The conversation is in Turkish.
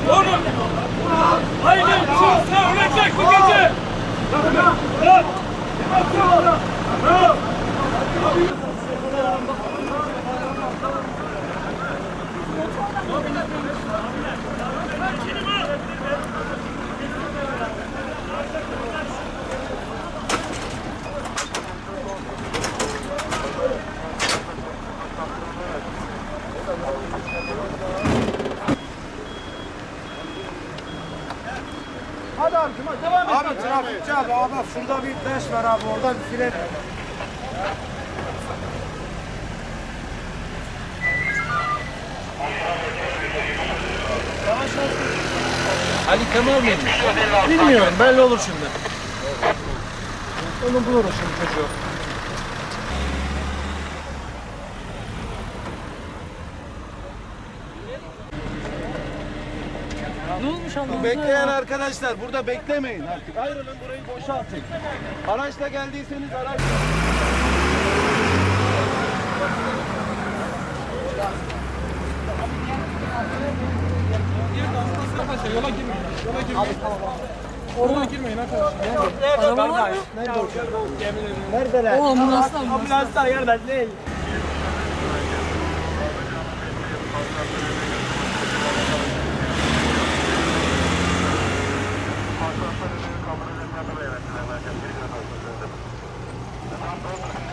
Oğlum! Haydi! Çıksa ölecek bu gece! Bırak! Bırak! Hadi abicim hadi devam et. Abi trafikçi abi bak şurada bir beş var abi orada bir file. Ali Kemal mıymış? Bilmiyorum, belli olur şimdi. Onu buluruz şimdi çocuğu. Ne olmuş anlamadım. Bekleyen arkadaşlar burada beklemeyin artık. Ayrılın burayı boşaltın. Araçla geldiyseniz araç... Yola girmeyin. Yola girmeyin. Oraya girmeyin arkadaşlar. Araba var mı? Neredeler? O ambulanslar mı? Ambulanslar yerden değil. Kamera